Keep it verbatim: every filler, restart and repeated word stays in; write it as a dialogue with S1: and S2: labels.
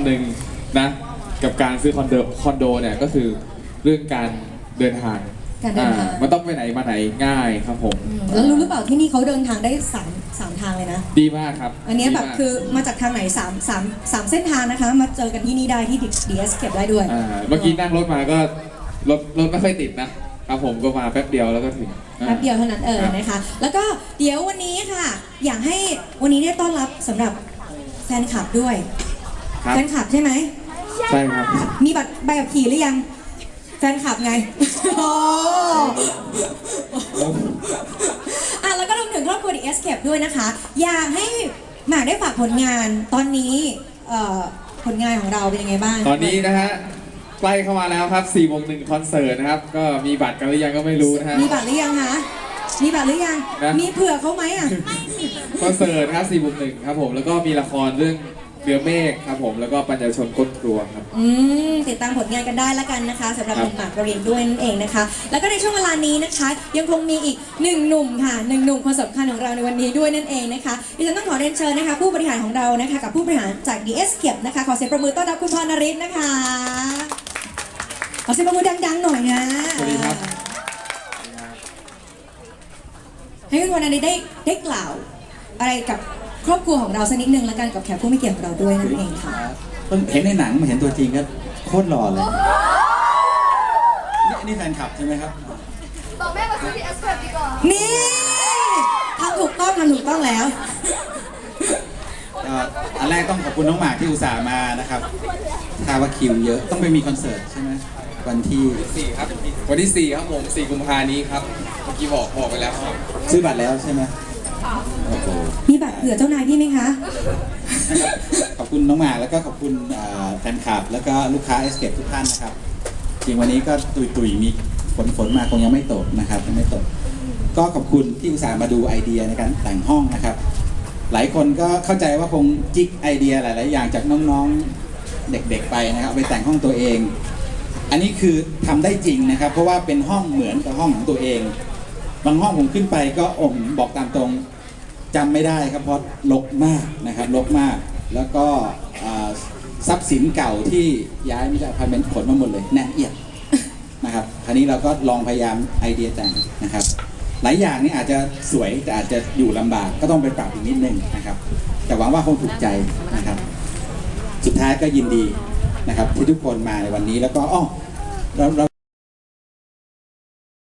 S1: ำหนึ่งนะกับการซื้อคอนโดคอนโดเนี่ยก็คือเรื่องการเดินทาง
S2: การเดินทาง
S1: มันต้องไปไหนมาไหนง่ายครับผม
S2: แล้วรู้หรือเปล่าที่นี่เขาเดินทางได้สามสามทางเลยนะ
S1: ดีมากครับ
S2: อันนี้แบบคือมาจากทางไหนสามสามสามเส้นทางนะคะมาเจอกันที่นี่ได้ที่ ดี เอส เก็บได้ด้วย
S1: เมื่อกี้นั่งรถมาก็รถรถไม่ค่อยติดนะครับผมก็มาแป๊บเดียวแล้วก็ถึง
S2: แป๊บเดียวเท่านั้นเออนะคะแล้วก็เดี๋ยววันนี้ค่ะอยากให้วันนี้ได้ต้อนรับสำหรับแฟนคลับด้วยแฟนคลับใช่ไหม
S1: ใช่ครับ
S2: มีบัตรใบขับขี่หรือยังแฟนคลับไงโอ้อ่ะแล้วก็รวมถึงครอบครัว ดี เอส Escape ด้วยนะคะอยากให้หมากได้ฝากผลงานตอนนี้ผลงานของเราเป็นยังไงบ้าง
S1: ตอนนี้นะฮะใกล้เข้ามาแล้วครับสี่โมงหนึ่งคอนเสิร์ตนะครับก็มีบัตรกันหรือยังก็ไม่รู้นะฮะ
S2: มีบัตรหรือยังคะมีบัตรหรือยังมีเผื่อเขาไหมอ่ะ
S1: คอนเสิร์ตครับสี่โมงหนึ่งครับผมแล้วก็มีละครเรื่องเรือเมฆครับผมแล้วก็ปัญญาชนก้นครัวครับ
S2: อืมติดตามผลงานกันได้แล้วกันนะคะสำหรับหนุ่มหมากปรินด้วยนั่นเองนะคะแล้วก็ในช่วงเวลานี้นะคะยังคงมีอีกหนึ่งหนุ่มค่ะหนึ่งหนุ่มคนสำคัญของเราในวันนี้ด้วยนั่นเองนะคะดิฉันต้องขอเรียนเชิญนะคะผู้บริหารของเรานะคะกับผู้บริหารจาก ดี เอส Escape นะคะขอเสียงประมือต้อนรับคุณพรณฤทธิ์นะคะขอเสียงประมือดังๆหน่อยนะ
S1: สวัสดีครับ
S2: ให้คุณพรณฤทธิ์ได้ได้กล่าวอะไรกับครอบครัวของเราสักนิดนึงแล้วกันกับแขกผู้มีเกียรติของเราด้วยนั่นเองค่ะ
S3: เห็นในหนังมาเห็นตัวจริงก็โคตรหล่อเลยนี่นี่แฟนคลับใช่ไหมครับ
S4: บอกแม่มาซื้อที่ Escape ดีกว่า
S2: นี่ทำถูกต้องทำถูกต้องแล้ว
S3: อันแรกต้องขอบคุณน้องหมากที่อุตส่าห์มานะครับทราบว่าคิวเยอะต้องไปมีคอนเสิร์ตใช่ไหมวันที่
S1: สี่ครับวันที่สี่ครับผมสี่กุมภานี้ครับเมื่อกี้บอกบอกไปแล้วครับ
S3: ซื้อบัตรแล้วใช่ไหม
S2: มีบัตรเผื่อเจ้านายพี่ไหมคะ
S3: ขอบคุณน้องหมากแล้วก็ขอบคุณแฟนคลับแล้วก็ลูกค้า Escape ทุกท่านนะครับจริงวันนี้ก็ตุยๆมีฝนฝนมาคงยังไม่ตกนะครับยังไม่ตกก็ขอบคุณที่อุตส่าห์มาดูไอเดียในการแต่งห้องนะครับหลายคนก็เข้าใจว่าคงจิกไอเดียหลายๆอย่างจากน้องๆเด็กๆไปนะครับไปแต่งห้องตัวเองอันนี้คือทำได้จริงนะครับเพราะว่าเป็นห้องเหมือนกับห้องของตัวเองบางห้องผมขึ้นไปก็อมบอกตามตรงจำไม่ได้ครับเพราะรกมากนะครับรกมากแล้วก็ทรัพย์สินเก่าที่ย้ายมาจากอพาร์ตเมนต์ขนมาหมดเลยแน่นเอียดนะครับคราวนี้เราก็ลองพยายามไอเดียแต่งนะครับหลายอย่างนี่อาจจะสวยแต่อาจจะอยู่ลำบากก็ต้องไปปรับอีกนิดนึงนะครับแต่หวังว่าคงถูกใจนะครับสุดท้ายก็ยินดีนะครับที่ทุกคนมาในวันนี้แล้วก็อ๋อเรา